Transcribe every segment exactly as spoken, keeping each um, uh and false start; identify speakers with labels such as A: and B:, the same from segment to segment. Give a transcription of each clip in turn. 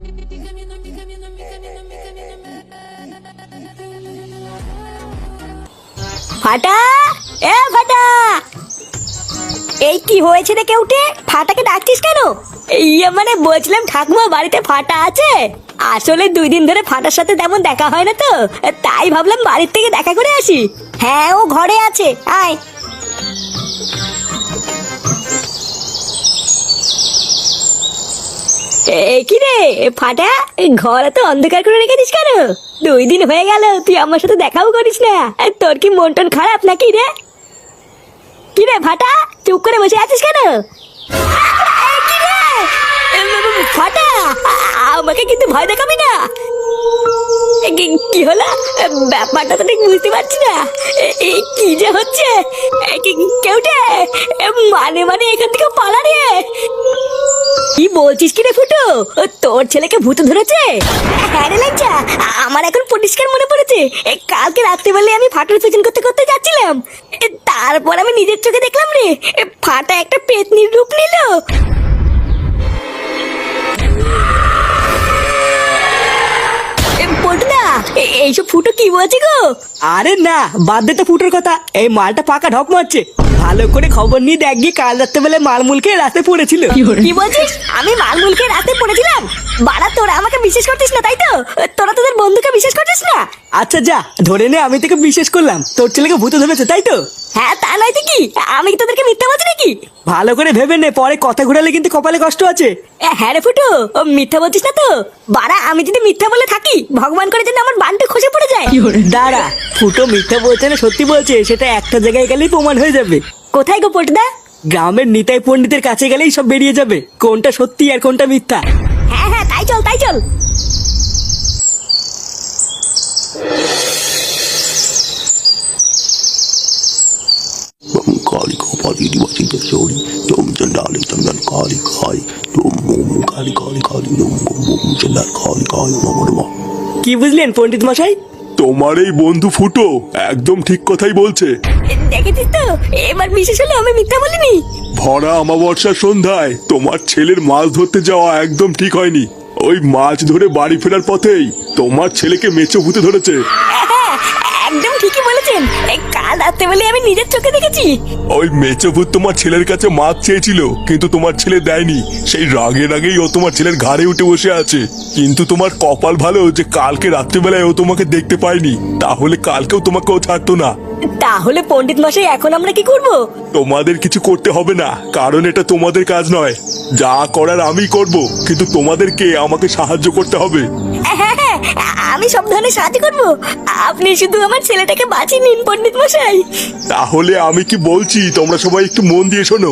A: ফাটা, এ ফাটা, এই কি হয়েছে রে কেউটে? ফাটাকে ডাকছিস কেন? ইয়ে মানে বলছিলাম ঠাকুমা বাড়িতে ফাটা আছে? আসলে দুই দিন ধরে ফাটার সাথে তেমন দেখা হয় না তো, তাই ভাবলাম বাড়ির থেকে দেখা করে আসি। হ্যাঁ, ও ঘরে আছে, আয়। কি রে ফাটা, ঘরে তো অন্ধকার করে রেখেছিস কেন? দুই দিন হয়ে গেল তুই আমার সাথে দেখাও করিস না। তোর কি মন টন খারাপ নাকি রে? কি রে ফাটা, চুপ করে বসে আছিস কেন? কি রে ফাটা, আমাকে কিন্তু ভয় দেখাবি না। কি হলো ব্যাপারটা তো ঠিক বুঝতে পারছি না। কি যে হচ্ছে? কেউটে মানে মানে এখান থেকে পালা রে। কি বলছিস কি রে ফুটো, তোর ছেলেকে ভূত ধরেছে? হ্যাঁ রে লাজ্জা, আমার এখন পরিষ্কার মনে পড়েছে। কালকে রাত্রিবেলায় আমি ফাটার পেছন করতে করতে যাচ্ছিলাম, তারপর আমি নিজের চোখে দেখলাম রে ফাটা একটা পেতনির রূপ নিল। এইসব ফুটো কি বলছে গো?
B: আরে না, বাদ দে তো ফুটোর কথা। এই মালটা পাকা ঢপ মারছে। ভালো করে খবর নিয়ে দেখ গিয়ে, কাল রাত্রে বেলায় মালমুলকে রাতে পড়েছিল।
A: কি বলছিস? আমি মালমুলকে রাতে পড়েছিলাম? বাড়া, তোরা আমাকে বিশ্বাস করতিস না তাই তো? তোরা তোদের বন্ধুকে বিশ্বাস করতিস না?
B: আচ্ছা যা, ধরে নে আমি তোকে বিশ্বাস করলাম। তোর ছেলেকে ভূত ধরেছে তাই তো?
A: হ্যাঁ, তা নয় তো কি? আমি কি তোদেরকে মিথ্যা বলছি নাকি?
B: ভালো করে ভেবে নে, পরে কথা ঘুরালে কিন্তু কপালে কষ্ট আছে।
A: হ্যাঁ রে ফুটো, ও মিথ্যা বলছিস না তো? বাড়া, আমি যদি মিথ্যা বলে থাকি, ভগবান করে যেন আমার বানটা খসে পড়ে যায়।
B: দাঁড়া, ফুটো মিথ্যা বলছে না সত্যি বলছে সেটা একটা জায়গায় গেলেই প্রমাণ হয়ে যাবে।
A: কোথায় গো পটদা?
B: গ্রামের নিতাই পণ্ডিতের কাছে গেলেই সব বেরিয়ে যাবে, কোনটা সত্যি আর কোনটা মিথ্যা।
A: হ্যাঁ হ্যাঁ, তাই চল তাই চল।
C: काली को पाली दिवासी दशोरी तुम चंडाली चंदन काली काली तुम मोम काली काली काली तुम मोम चंदन काली काली नमः।
B: কি বুঝলেন পণ্ডিত মশাই?
C: তোমার এই বন্ধু ফুটো একদম ঠিক কথাই বলছে।
A: দেখেছিস তো, এবার বিশেষ হলো আমি মিথ্যা বলিনি।
C: ভরা অমাবস্যার সন্ধ্যায় তোমার ছেলের মাছ ধরতে যাওয়া একদম ঠিক হয়নি। ওই মাছ ধরে বাড়ি ফেরার পথেই তোমার ছেলেকে মেচো ভূতে ধরেছে।
A: হ্যাঁ, একদম ঠিকই বলেছেন। কাল রাতে বলে আমি নিজের চোখে দেখেছি।
C: ওই মেচো ভূত তোমার ছেলের কাছে মাছ চেয়েছিল, কিন্তু তোমার ছেলে দেয়নি। সেই রাগে রাগেই ও তোমার ছেলের ঘাড়ে উঠে বসে আছে। কিন্তু তোমার কপাল ভালো যে কালকে রাত্রিবেলায় ও তোমাকে দেখতে পায়নি, তাহলে কালকেও তোমাকে ও ছাড়তো না।
A: তাহলে পণ্ডিত মশাই এখন আমরা কি করব?
C: তোমাদের কিছু করতে হবে না, কারণ এটা তোমাদের কাজ নয়। যা করার আমি করব, কিন্তু তোমাদেরকে আমাকে সাহায্য করতে হবে।
A: হ্যাঁ হ্যাঁ, আমি সব ধরনের সাহায্য করব। আপনি শুধু আমার ছেলেটাকে বাঁচিয়ে নিন পণ্ডিত মশাই।
C: তাহলে আমি কি বলছি তোমরা সবাই একটু মন দিয়ে শোনো।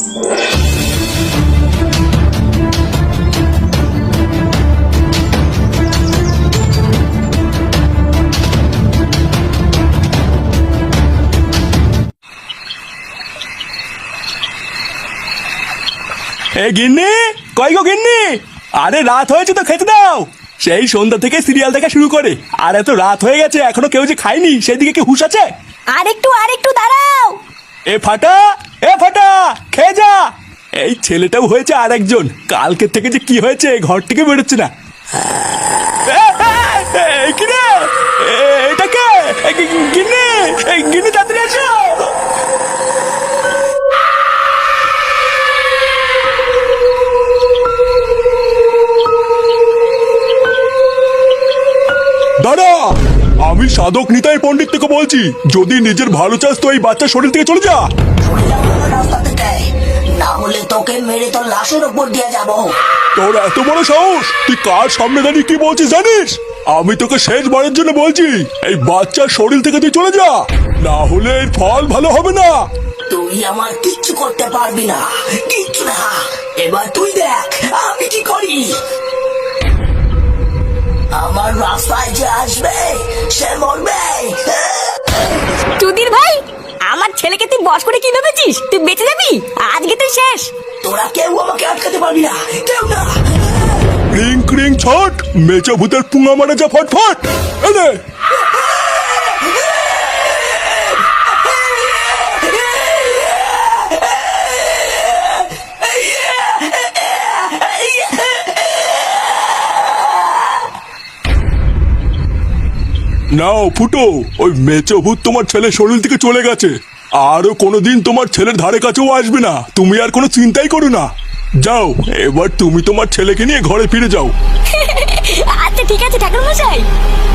C: এ গিন্নি, কই গো গিন্নি? আরে রাত হয়েছে তো, খেতে দাও। সেই সন্ধ্যা থেকে সিরিয়াল দেখা শুরু করে আর এত রাত হয়ে গেছে এখনো কেউ যে খায়নি, সেদিকে কি হুঁশ আছে?
A: আরেকটু আরেকটু দাঁড়াও।
C: এ ফাটা, এ ফাটা, খেয়ে যা। এই ছেলেটাও হয়েছে আর একজন, কালকে থেকে যে কি হয়েছে ঘর থেকে বেরোচ্ছে না। কি রে, এটা কে? গিন্নি, গিন্নি তাড়াতাড়ি আসো। দাদা, আমি সাধক নিতাই পণ্ডিত থেকে বলছি। যদি নিজের ভালো চাস তো এই বাচ্চার শরীর থেকে চলে যা।
D: না হলে তোকে মেরে তোর লাশের উপর দিয়ে যাব।
C: তোর এত বড় সাহস, তুই কার সামনে দাঁড়িয়ে কি বলছিস জানিস? আমি তোকে শেষবারের জন্য বলছি, এই বাচ্চার শরীর থেকে তুই চলে যা, না হলে এর ফল ভালো হবে না।
D: তুই আমার কিচ্ছু করতে পারবি না, কিচ্ছু না। এবার তুই দেখ আমি কি করি। আমার রাস্তায় যে আসবে সে মরবে।
A: চুদির ভাই, আমার ছেলেকে তুই বস করে কি ভেবেছিস? তুই বেঁচে যাবি? আজকে তুই শেষ।
D: তোরা কেউ আমাকে আটকাতে পারবি না, কেউ না।
C: ক্রিং ক্রিং ছট, মেচো ভূতের পুঙ্গা মারা যা ফটফট। এনে নাও ফুটো, ওই মেচো ভূত তোমার ছেলের শরীর থেকে চলে গেছে। আরো কোনোদিন তোমার ছেলের ধারে কাছেও আসবে না। তুমি আর কোনো চিন্তাই করো না। যাও, এবার তুমি তোমার ছেলেকে নিয়ে ঘরে ফিরে যাও।
A: আচ্ছা ঠিক আছে ঠাকুর মশাই।